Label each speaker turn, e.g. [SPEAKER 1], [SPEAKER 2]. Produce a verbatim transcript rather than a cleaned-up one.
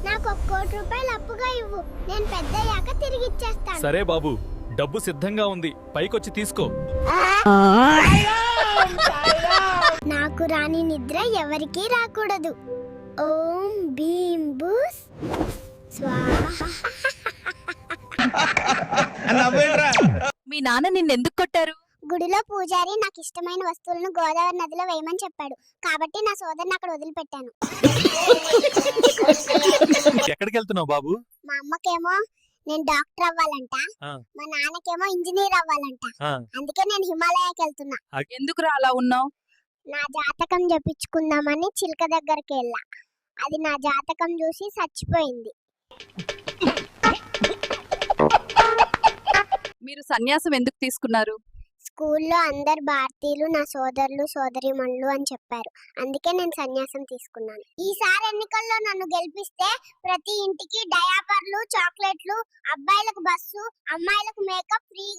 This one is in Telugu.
[SPEAKER 1] నాకు ఒక కోటి రూపాయలు అప్పుగా ఇవ్వు, నేను పెద్దయ్యాక తిరిగి ఇచ్చేస్తాను.
[SPEAKER 2] సరే బాబు, డబ్బు సిద్ధంగా ఉంది, పైకొచ్చి తీసుకో.
[SPEAKER 1] నాకు రాని నిద్ర ఎవరికీ రాకూడదు. ఓం భీం బూస్ స్వాహా.
[SPEAKER 3] మీ నాన్న నిన్నెందుకు కొట్టారు?
[SPEAKER 1] గుడిలో పూజారి నాకు ఇష్టమైన వస్తువులను గోదావరి నదిలో వేయమని చెప్పాడు, కాబట్టి నా సోదరుని అక్కడ వదిలిపెట్టాను.
[SPEAKER 2] ఎక్కడికి వెళ్తున్నావు బాబు?
[SPEAKER 1] మా అమ్మకేమో నేను డాక్టర్ అవ్వాలంట, మా నాన్నకేమో ఇంజనీర్ అవ్వాలంట. అందుకే నేను హిమాలయాకి వెళ్తున్నా.
[SPEAKER 3] ఎందుకురా అలా ఉన్నావు?
[SPEAKER 1] నా జాతకం చెప్పించుకుందామని చిలక దగ్గరికి వెళ్ళా. అది నా జాతకం చూసి చచ్చిపోయింది.
[SPEAKER 3] మీరు సన్యాసం ఎందుకు తీసుకున్నారు?
[SPEAKER 1] స్కూల్లో అందరు భారతీయులు నా సోదరులు సోదరిమణులు అని చెప్పారు, అందుకే నేను సన్యాసం తీసుకున్నాను. ఈసారి ఎన్నికల్లో నన్ను గెలిపిస్తే ప్రతి ఇంటికి డయాపర్లు, చాక్లెట్లు, అబ్బాయిలకు బస్సు, అమ్మాయిలకు మేకప్ ఫ్రీ